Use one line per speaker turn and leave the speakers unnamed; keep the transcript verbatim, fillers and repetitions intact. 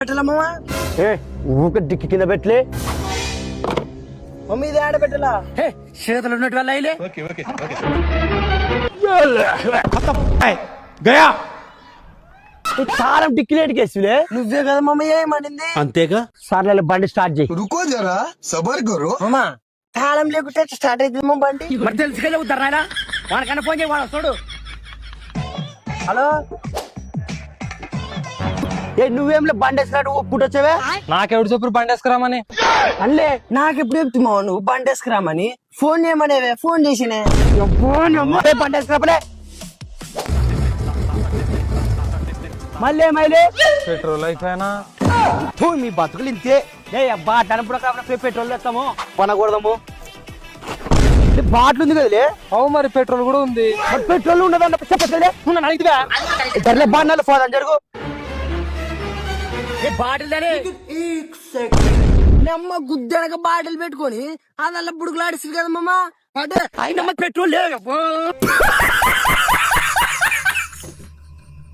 పెట్టలా మామ
ఏ ఊక డిక్కి కింద పెట్టలే
మమ్మీ ఇది ఆడ పెట్టలా
హే చేతులు ఉన్నట్టు వల్ల అయిలే
గయా
సారం డిక్కిలేటికి వేసిలే
నువ్వే కదా మమ్మీ ఏమనింది
అంతేగా
సార్ బండి స్టార్ట్ చేయి
रुको जरा सबर करो
మామ తాళం లేకుంటే స్టార్ట్ అవుతుంది మా బండి
మరి తెలుసుగా చెబుతారు నాయన వాడికన్నా ఫోన్ చేయి వాడు వస్తాడు.
హలో
ఏ నువ్వేంలే బండి వేసినట్టు పుట్టొచ్చావే
నాకెవడు చెప్పు బండి వేసుకురామని
అల్లే
నాకు ఎప్పుడు చెప్తున్నావు నువ్వు బండి వేసుకురామని ఫోన్ చేయమనేవే ఫోన్ చేసినే
ఏ బండి వేసుకురాపలే మళ్ళీ మైలే
పెట్రోల్ అయిపోయినా
ఫూ, మీ బతుకులు ఇంతే ఏ అబ్బా టనప్పుడు కాబట్టి పెట్రోల్ వేస్తాము కొనకూడదాము ఏ, బాటిల్ ఉంది కదలే
అవు మరి పెట్రోల్ కూడా ఉంది.
మరి పెట్రోల్ ఉండదు చెప్పట్లేదే నువ్వు అడిగితే ధరలే బాగా ఫోన్ జరుగు
ఏ బాటిల్ దాని
నమ్మ గుద్దనక బాటిల్ పెట్టుకొని అదల్లా బుడుకులాడిస్తుంది కదా మామ అదే
అయినా మరి పెట్రోల్ లేదు